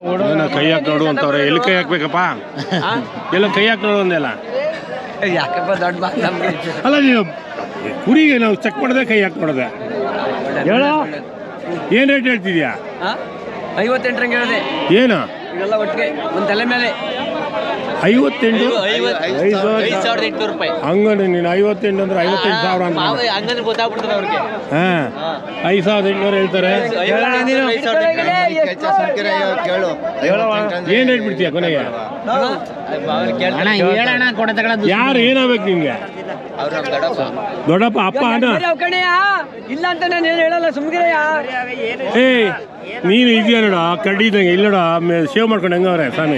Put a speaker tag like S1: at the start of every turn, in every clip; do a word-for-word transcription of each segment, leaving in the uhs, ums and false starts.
S1: ಕೈ ಹಾಕಿ ನೋಡು ಅಂತವ್ರೆ. ಎಲ್ಲಿ ಕೈ ಹಾಕ್ಬೇಕಪ್ಪ? ಎಲ್ಲ ಕೈ ಹಾಕಿ ನೋಡು ಅಂದೆಲ್ಲ.
S2: ಯಾಕಪ್ಪ ದೊಡ್ಡ ಮಾತು ನಮ್ಗೆ.
S1: ಅಲ್ಲ ನೀವು ಕುರಿಗೆ ನಾವು ಚೆಕ್ ಮಾಡಿದೆ, ಕೈ ಹಾಕಿ ನೋಡಿದೆ. ಹೇಳ ಏನು ರೇಟ್ ಹೇಳ್ತಿದ್ಯಾ?
S2: ಐವತ್ತೆಂಟು ರಂಗೆ ಹೇಳಿದೆ.
S1: ಏನು
S2: ಇವೆಲ್ಲ ಒಟ್ಟಿಗೆ ಒಂದು ತಲೆ ಮೇಲೆ
S1: ಐವತ್ತೆಂಟು
S2: ಐದು ಸಾವಿರದ ಎಂಟುನೂರು ರೂಪಾಯಿ.
S1: ಹಂಗಂದ್ರೆ ನೀನು ಐವತ್ತೆಂಟು ಅಂದ್ರೆ ಐವತ್ತೆಂಟು ಸಾವಿರ ಅಂತ
S2: ಹಂಗಂದ್ರೆ ಗೊತ್ತಾಗ್ಬಿಡ್ತದೆ ಅವ್ರಿಗೆ.
S1: ಹಾಂ, ಐದು ಸಾವಿರದ ಎಂಟುನೂರು ಹೇಳ್ತಾರೆ. ಏನು ರೇಟ್ ಬಿಡ್ತೀಯ ಕೊನೆಗೆ? ಯಾರು ಏನಾಗ್ಬೇಕು ನಿಮ್ಗೆ? ದೊಡ್ಡಪ್ಪ ಅಪ್ಪ ಅಣ್ಣ
S2: ಇಲ್ಲ ಅಂತ ನಾನು ಏನು ಹೇಳಲ್ಲ, ಸುಮ್ಗಿರಯ್ಯ.
S1: ಏಯ್ ನೀನು ಇದೆಯಾ ನೋಡ, ಕಡ್ಡಿ ಇದ್ದಂಗೆ ಇಲ್ಲ ನೋಡ, ಸೇವ್ ಮಾಡ್ಕೊಂಡು ಹೆಂಗವ್ರೆ ಸ್ವಾಮಿ.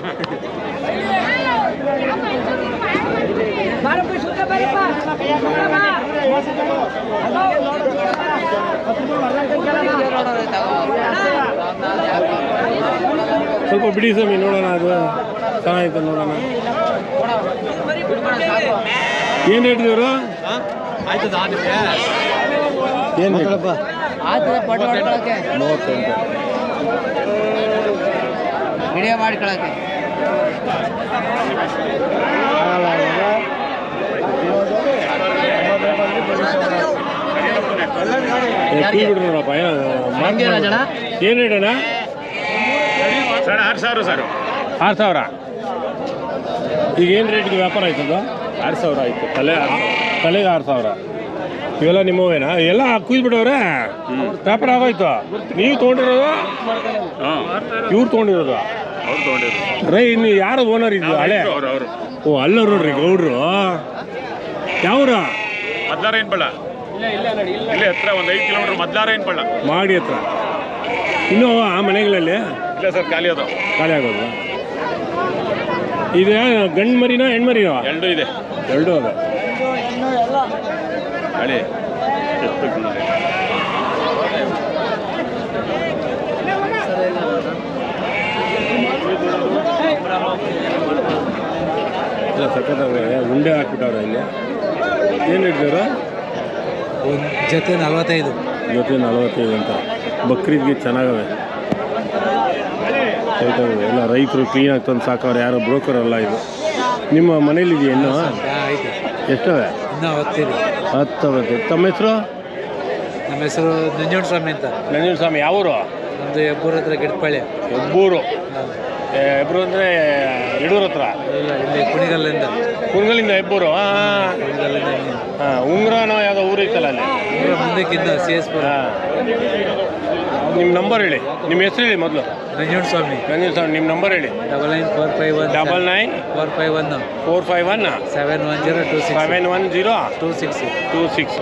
S1: ಸ್ವಲ್ಪ ಬಿಡಿ ಸ್ವಾಮಿ, ನೋಡೋಣ. ಅದು ಚೆನ್ನಾಗಿತ್ತು, ನೋಡೋಣ. ಏನು ರೇಟ್ ಇವರು? ಏನು ಮೂವತ್ತೆಂಟು
S2: ವಿಡಿಯೋ ಮಾಡ್ಕೊಳಕ್ಕೆ.
S1: ಬಿಡ್ರಿ ನೋಡಪ್ಪ. ಏನು ರೇಟ್ ಅಣ್ಣ?
S3: ಸರ್ ಆರು ಸಾವಿರ ಸರ್.
S1: ಆರು ಸಾವಿರ. ಈಗ ಏನು ರೇಟ್ಗೆ ವ್ಯಾಪಾರ ಆಯ್ತದ?
S3: ಆರು ಸಾವಿರ ಆಯಿತು. ತಲೆ
S1: ತಲೆಗೆ ಆರು ಸಾವಿರ. ಇವೆಲ್ಲ ನಿಮ್ಮವೇನಾ? ಎಲ್ಲ ಕುಯ್ದ್ಬಿಟ್ಟವ್ರೆ, ವ್ಯಾಪಾರ ಆಗೋಯ್ತು. ನೀವು ತೊಗೊಂಡಿರೋದು?
S3: ಹಾಂ,
S1: ಇವ್ರು ತೊಗೊಂಡಿರೋದು?
S3: ಅವ್ರು ತೊಗೊಂಡಿರೋದು.
S1: ರೈ ಇನ್ನು ಯಾರು ಓನರ್ ಇದ್ದು? ಹಳೆ
S3: ಅವರು ಅವರು
S1: ಓ, ಅಲ್ಲ ನೋಡ್ರಿ ಗೌಡ್ರು. ಯಾವ್ರ?
S3: ಮದ್ಲಾರೇನ್ ಬಳ್ಳ, ಇಲ್ಲೇ ಹತ್ರ ಒಂದು ಐದು ಕಿಲೋಮೀಟರ್ ಮದ್ಲಾರೇನ್ ಬಳ್ಳ
S1: ಮಾಡಿ ಹತ್ರ. ಇನ್ನೂ ಆ ಮನೆಗಳಲ್ಲಿ
S3: ಇಲ್ಲ ಸರ್, ಖಾಲಿ ಅದು.
S1: ಖಾಲಿ ಆಗೋದು. ಇದೆ ಗಂಡು ಮರಿನೋ ಹೆಣ್ಮರಿನೋ?
S3: ಎರಡು ಇದೆ.
S1: ಎರಡು ಅದ.
S3: ಖಾಲಿ
S1: ಇಲ್ಲ, ಸಖತ್ತಾಗ ಉಂಡೆ ಹಾಕ್ಬಿಟ್ಟವ್ರೆ ಇಲ್ಲಿ. ಏನು ಹಿಡ್ದವ್ರ?
S2: ಒಂದು ಜೊತೆ ನಲ್ವತ್ತೈದು.
S1: ಜೊತೆ ನಲವತ್ತೈದು ಅಂತ. ಬಕ್ರೀದ್ಗೆ ಚೆನ್ನಾಗವೆ, ಸೈತಾಗವೆ. ಎಲ್ಲ ರೈತರು ಕ್ಲೀನಾಗಿ ತಂದು ಸಾಕವ್ರೆ, ಯಾರೋ ಬ್ರೋಕರ್ ಅಲ್ಲ ಇದು. ನಿಮ್ಮ ಮನೇಲಿದೆಯಾ ಇನ್ನೂ?
S2: ಆಯ್ತು.
S1: ಎಷ್ಟವೆ?
S2: ಇನ್ನೂ ಹತ್ತಿದೆ.
S1: ಹತ್ತು ಬರ್ತದೆ. ತಮ್ಮ ಹೆಸರು?
S2: ನಮ್ಮ ಹೆಸರು ನಂಜುಂಡ ಸ್ವಾಮಿ ಅಂತ.
S1: ನಂಜುಂಡ ಸ್ವಾಮಿ. ಯಾವೂರು?
S2: ನಮ್ಮದು ಹೆಬ್ಬೂರು ಹತ್ರ ಗಿಡಪಾಳ್ಯ.
S1: ಹೆಬ್ಬೂರು. ಹೆಬ್ಬೂರು ಅಂದರೆ ಯಡೂರು ಹತ್ರ?
S2: ಇಲ್ಲ, ಇಲ್ಲಿ ಕುಣಿಗಲ್ಲಿಂದ.
S1: ಕುಣಿಗಲ್ಲಿಂದ ಹೆಬ್ಬೂರು. ಹಾಂ,
S2: ಕುಣಿಗಲ್ಲಿಂದ.
S1: ಹಾಂ. ಉಂಗ್ರನೋ ಯಾವುದೋ ಊರು ಇತ್ತಲ್ಲ ಅಲ್ಲಿ?
S2: ಮುಂದಕ್ಕಿಂತ ಸಿ ಎಸ್ ಪುರ.
S1: ನಿಮ್ಮ ನಂಬರ್ ಹೇಳಿ, ನಿಮ್ಮ ಹೆಸರು ಹೇಳಿ ಮೊದಲು.
S2: ನಂಜುಂಡ ಸ್ವಾಮಿ.
S1: ನಂಜುಂಡ ಸ್ವಾಮಿ, ನಿಮ್ಮ ನಂಬರ್ ಹೇಳಿ.
S2: Double nine four five one
S1: double nine
S2: four five one
S1: four five one
S2: seven one zero two six
S1: seven one zero
S2: two six
S1: two six.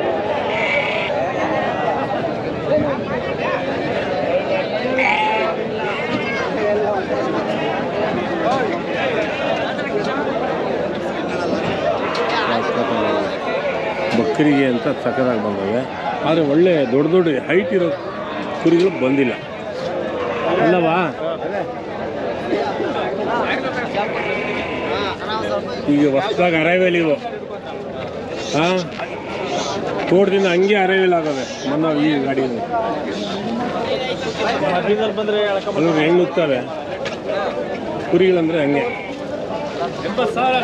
S1: ಬಕ್ರಿಗೆ ಅಂತ ಸಕ್ಕದಾಗಿ ಬಂದವೆ. ಆದರೆ ಒಳ್ಳೆ ದೊಡ್ಡ ದೊಡ್ಡ ಹೈಟ್ ಇರೋ ಕುರಿಗಳು ಬಂದಿಲ್ಲ ಅಲ್ಲವಾ? ಈಗ ಹೊಸದಾಗಿ ಅರೈವಲ್ ಇವು. ಹಾಂ, ತೋಟದಿಂದ ಹಂಗೆ ಅರೈವಲ್ ಆಗವೆ. ಮೊನ್ನೆ ಈ ಗಾಡಿಯಲ್ಲಿ ಅಲ್ಲೂ ಹೆಂಗೆ ನುಗ್ತವೆ ಕುರಿಗಳಂದರೆ ಹಂಗೆ.
S3: ಎಂಬತ್ತು ಸಾವಿರ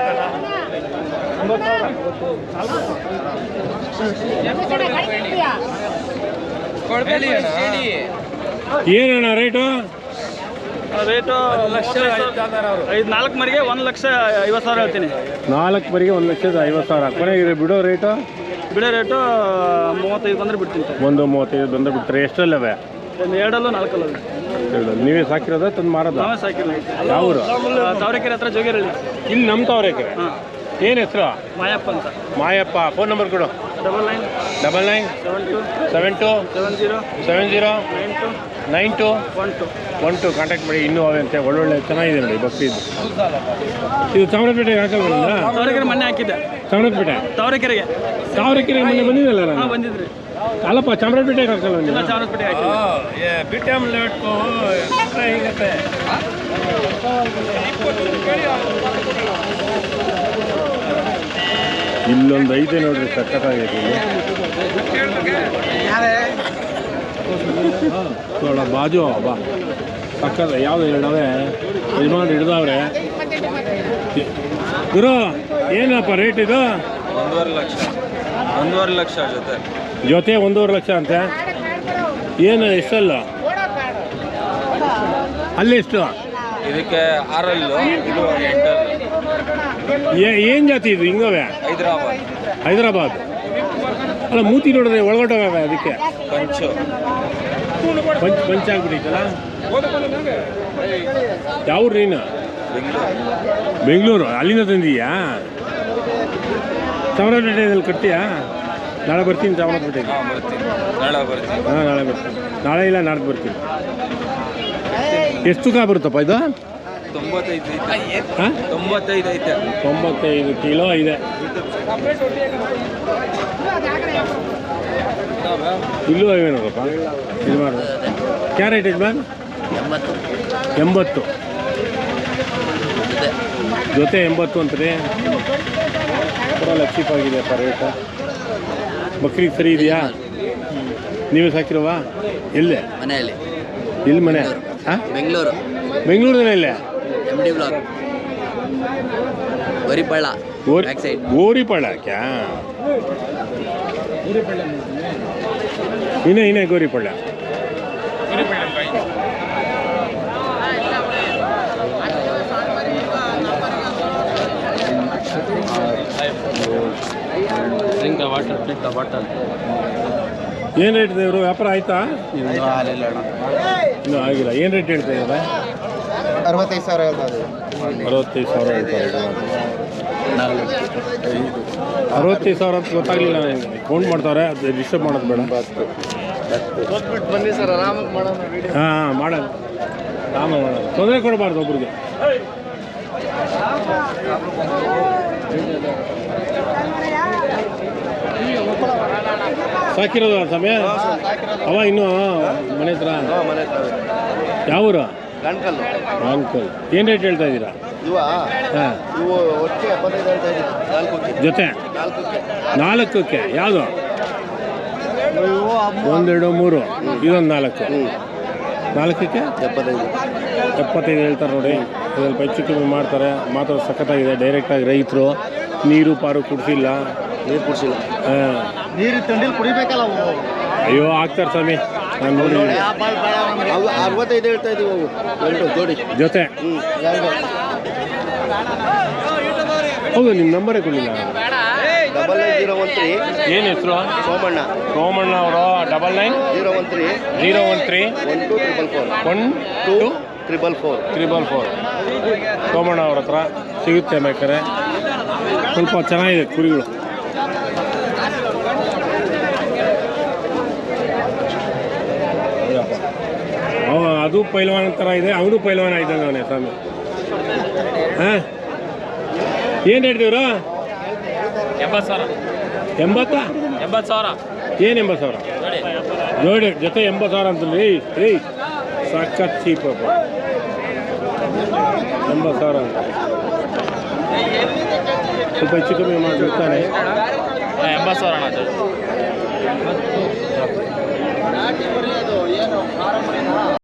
S1: ಏನಣ್ಣ ರೇಟು?
S3: ರೇಟು ಲಕ್ಷ ಐದು ನಾಲ್ಕು ಮರಿಗೆ ಒಂದು ಲಕ್ಷ ಐವತ್ತು ಸಾವಿರ ಹೇಳ್ತೀನಿ.
S1: ನಾಲ್ಕು ಮರಿಗೆ ಒಂದು ಲಕ್ಷದ ಐವತ್ತು ಸಾವಿರ. ಕೊನೆಗೆ ಬಿಡೋ ರೇಟು?
S3: ಬಿಡೋ ರೇಟು ಮೂವತ್ತೈದು ಬಂದರೆ ಬಿಡ್ತೀನಿ.
S1: ಒಂದು ಮೂವತ್ತೈದು ಬಂದರೆ ಬಿಡ್ತಾರೆ. ಎಷ್ಟಲ್ಲವೆ?
S3: ಎರಡಲ್ಲೂ ನಾಲ್ಕಲ್ಲ.
S1: ಎರಡು. ನೀವೇ ಸಾಕಿರೋದ ತಂದು ಮಾರೋದ?
S3: ನಾವೇ ಸಾಕಿಲ್ಲ.
S1: ಯಾವ ಊರು?
S3: ತಾವರೆಕೆರೆ ಹತ್ರ ಜೋಗಿರಳ್ಳಿ.
S1: ಇಲ್ಲಿ ನಮ್ಮ ತಾವರೆಕೆರೆ.
S3: ಹಾಂ.
S1: ಏನು ಹೆಸರು?
S3: ಮಾಯಪ್ಪ ಅಂತ.
S1: ಮಾಯಪ್ಪ. ಫೋನ್ ನಂಬರ್ ಕೊಡು.
S3: Double nine
S1: double nine
S3: seven two
S1: seven two
S3: seven zero
S1: seven zero
S3: nine two
S1: nine two
S3: one two
S1: one two contact ಮಾಡಿ. ಇನ್ನೂ ಅವೆ ಅಂತ ಒಳ್ಳೊಳ್ಳೆ ಚೆನ್ನಾಗಿದೆ ನೋಡಿ ಬಕ್ರೀದ್. ಇದು ಚಾಮರಾಜಪೇಟೆಗೆ ಹಾಕಲ್ವ?
S3: ತಾವರೆಕೆರೆ ಮೊನ್ನೆ ಹಾಕಿದ್ದೆ.
S1: ಚಾಮರಾಜಪೇಟೆ
S3: ತಾವರೆಕೆರೆಗೆ
S1: ತಾವರೆಕೆರೆಗೆ ಮೊನ್ನೆ ಬಂದಿದ್ದಲ್ಲ
S3: ಹಾಂ,
S1: ನಾನು?
S3: ಬಂದಿದ್ರಿ.
S1: ಅಲ್ಲಪ್ಪ, ಚಾಮರಾಜಪೇಟೆಗೆ ಹಾಕಲ್ವ
S3: ಇಲ್ಲ,
S1: ನೀವು?
S3: ಚಾಮರಾಜಪೇಟೆ ಹಾಕಿದ್ದೆ.
S1: ಬಿಟ್ಟೆ ಇಲ್ಲೊಂದು ಐತೆ ನೋಡ್ರಿ, ಸಖತ್ತಾಗೈತೆ ಇಲ್ಲಿ. थोड़ा बाजू बा ಪಕ್ಕದ ಯಾವುದು ಎರಡವೆ ಯಜಮಾನ್ ಹಿಡ್ದವ್ರೆ. ಗುರು ಏನಪ್ಪ ರೇಟ್ ಇದು?
S2: ಒಂದೂವರೆ ಲಕ್ಷ ಒಂದೂವರೆ ಲಕ್ಷ ಜೊತೆ
S1: ಜೊತೆ ಒಂದೂವರೆ ಲಕ್ಷ ಅಂತೆ. ಏನು ಎಷ್ಟಲ್ಲ ಅಲ್ಲಿ ಎಷ್ಟು?
S2: ಇದಕ್ಕೆ ಆರಲ್ಲು, ಇದು ಎಂಟಲ್ಲು.
S1: ಏನು ಜಾತಿ ಇದು ಹಿಂಗವೆ?
S2: ಹೈದರಾಬಾದ್.
S1: ಹೈದರಾಬಾದ್ ಅಲ್ಲ, ಮೂತಿ ನೋಡಿದ್ರೆ ಒಳಗೊಟ್ಟೋಗವೆ ಅದಕ್ಕೆ
S2: ಕಂಚು
S1: ಪಂಚ್ ಪಂಚ್ ಆಗ್ಬಿಟ್ಟಿತ್ತಲ್ಲ. ಯಾವ ನೀನು?
S2: ಬೆಂಗಳೂರು.
S1: ಬೆಂಗಳೂರು ಅಲ್ಲಿಂದ ತಂದೀಯಾ? ಚಾಮರಾಜಪೇಟೆಯಲ್ಲಿ ಕಟ್ತೀಯಾ? ನಾಳೆ ಬರ್ತೀನಿ ಚಾಮರಾಜಪೇಟೆಗೆ.
S2: ಹಾಂ ಬರ್ತೀನಿ, ನಾಳೆ ಬರ್ತೀನಿ.
S1: ಹಾಂ ನಾಳೆ ಬರ್ತೀನಿ. ನಾಳೆ ಇಲ್ಲ ನಾಡ್ದು ಬರ್ತೀನಿ. ಎಷ್ಟು ತೂಕ ಬರುತ್ತಪ್ಪ ಇದು?
S2: ತೊಂಬತ್ತೈದು ಐತೆ.
S1: ಹಾಂ
S2: ತೊಂಬತ್ತೈದು ಐತೆ.
S1: ತೊಂಬತ್ತೈದು ಕಿಲೋ ಇದೆ. ಇಲ್ಲೂ ಇವೆ ನೋಡಪ್ಪ. ಇದು ಮಾಡಿ ಕ್ಯಾರೆಟ್ ಯಜಮಾನ್
S2: ಎಂಬತ್ತು.
S1: ಎಂಬತ್ತು ಜೊತೆ ಎಂಬತ್ತು ಅಂತಾರೆ. ಪರವಾಗಿಲ್ಲ, ಚೀಪ್ ಆಗಿದೆಯಪ್ಪ ರೇಟ. ಬಕ್ರಿಗೆ ಸರಿ ಇದೆಯಾ? ನೀವೇ ಸಾಕಿರವಾ? ಎಲ್ಲೇ?
S4: ಮನೆಯಲ್ಲಿ
S1: ಎಲ್ಲಿ ಮನೆ? ಹಾಂ
S4: ಬೆಂಗಳೂರು
S1: ಬೆಂಗಳೂರಿನ ಎಲ್ಲೇ?
S4: ಎಮ್ ಡಿ ಬ್ಲಾಕ್ ಗೋರಿಪಳ್ಳ
S1: ಗೋರಿ
S4: ಬ್ಯಾಕ್ ಸೈಡ್.
S1: ಗೋರಿಪಳ್ಳ ಕ್ಯಾ ಇನ್ನೇ ಇನ್ನೇ ಗೋರಿಪಳ್ಳ. ಏನು ರೇಟ್ ಇದೆ ಇವರು? ವ್ಯಾಪಾರ ಆಯ್ತಾ? ಇನ್ನೂ ಆಗಿಲ್ಲ. ಏನು ರೇಟ್ ಹೇಳ್ತಾ ಇದ್ದಾರೆ?
S5: ಅರವತ್ತೈದು ಸಾವಿರ ಹೇಳ್ತಾ ಇದೆ.
S1: ಅರವತ್ತೈದು ಸಾವಿರ ಹೇಳ್ತಾರೆ. ಅರವತ್ತೈದು ಸಾವಿರ ಅಂತ ಗೊತ್ತಾಗಲಿಲ್ಲ ನನಗೆ. ಕೌಂಟ್ ಮಾಡ್ತಾರೆ, ಅದು ಡಿಸ್ಟರ್ಬ್ ಮಾಡೋದು ಬೇಡ.
S5: ಬನ್ನಿ ಸರ್, ಆರಾಮಾಗಿ ಮಾಡೋಣ.
S1: ಹಾಂ ಹಾಂ ಮಾಡೋದು ರಾಮ ಮಾಡೋದು. ತೊಂದರೆ ಕೊಡಬಾರ್ದು ಒಬ್ರಿಗೆ. ಸಾಕಿರೋದು ಸಮಯ ಅವ ಇನ್ನೂ ಮನೆ ಹತ್ರ.
S5: ಮನೆ ಹತ್ರ
S1: ಯಾವೂರು?
S5: ಗಂಟಕಲ್ಲು.
S1: ಅಂಕಲ್ ಏನು ರೇಟ್ ಹೇಳ್ತಾ ಇದ್ದೀರಾ?
S5: ಇವ
S1: ಹಾಂ
S5: ಇವು ಒಟ್ಟಿಗೆ ಎಪ್ಪತ್ತೈದು ಹೇಳ್ತಾ ಇದ್ದೀವಿ. ನಾಲ್ಕಕ್ಕೆ
S1: ಜೊತೆ
S5: ನಾಲ್ಕಕ್ಕೆ
S1: ನಾಲ್ಕಕ್ಕೆ ಯಾವುದು?
S5: ಇವು
S1: ಒಂದೆರಡು ಮೂರು, ಇದೊಂದು ನಾಲ್ಕು. ನಾಲ್ಕಕ್ಕೆ
S5: ಎಪ್ಪತ್ತೈದು.
S1: ಎಪ್ಪತ್ತೈದು ಹೇಳ್ತಾರೆ ನೋಡಿ. ಸ್ವಲ್ಪ ಹೆಚ್ಚು ಕಮ್ಮಿ ಮಾಡ್ತಾರೆ. ಮಾತ್ರ ಸಖತ್ತಾಗಿದೆ. ಡೈರೆಕ್ಟಾಗಿ ರೈತರು ನೀರು ಪಾರು ಕುಡಿಸಿಲ್ಲ.
S5: ನೀರು ಕುಡಿಸಿಲ್ಲ.
S1: ಹಾಂ
S5: ನೀರು ತಂಡಿಲ್ ಕುಡಿಬೇಕಲ್ಲ ಅವು.
S1: ಅಯ್ಯೋ ಆಗ್ತಾರೆ ಸ್ವಾಮಿ, ನಾನು ನೋಡಿ.
S5: ಅವು ಅರವತ್ತೈದು ಹೇಳ್ತಾ ಇದ್ದೀವಿ. ಅವು ಎರಡು ಜೋಡಿ
S1: ಜೊತೆ
S5: ಹ್ಞೂ ಎರಡು.
S1: ಹೌದು, ನಿಮ್ಮ ನಂಬರೇ ಕೊಡಲಿಲ್ಲ.
S5: Double nine zero one three.
S1: ಏನು ಹೆಸರು?
S5: ಸೋಮಣ್ಣ.
S1: ಸೋಮಣ್ಣ ಅವರು. Double nine
S5: zero one three
S1: zero one three
S5: one two triple four
S1: one
S5: two triple four
S1: triple four. Somanna ಅವ್ರ ಹತ್ರ ಸಿಗುತ್ತೆ ಬೇಕಾರೆ. ಸ್ವಲ್ಪ ಚೆನ್ನಾಗಿದೆ ಕುರಿಗಳು. ಅವ ಅದು ಪೈಲ್ವಾನ್ ಥರ ಇದೆ, ಅವನು ಪೈಲ್ವಾನ್ ಆಯ್ತಾನೆ ಅವನೇ ಸ್ವಾಮಿ. ಹಾಂ ಏನು ಹೇಳ್ತೀವ್ರು?
S2: ಎಂಬತ್ತು ಸಾವಿರ.
S1: ಎಂಬತ್ತ
S2: ಎಂಬತ್ತು ಸಾವಿರ
S1: ಏನು ಎಂಬತ್ತು ಸಾವಿರ ಜೋಡಿ ಜೊತೆ ಎಂಬತ್ತು ಸಾವಿರ ಅಂತಲ್ರಿ. ಏಯ್ ಸಖತ್ ಚೀಪ್ ಅಪ್ಪ. ಎಂಬತ್ತು ಸಾವಿರ ಅಂತ ಸ್ವಲ್ಪ ಹೆಚ್ಚು ಕಮ್ಮಿ ಮಾಡಿಬಿಡ್ತಾನೆ.
S2: ಎಂಬತ್ತು ಸಾವಿರ ಅಣ್ಣ.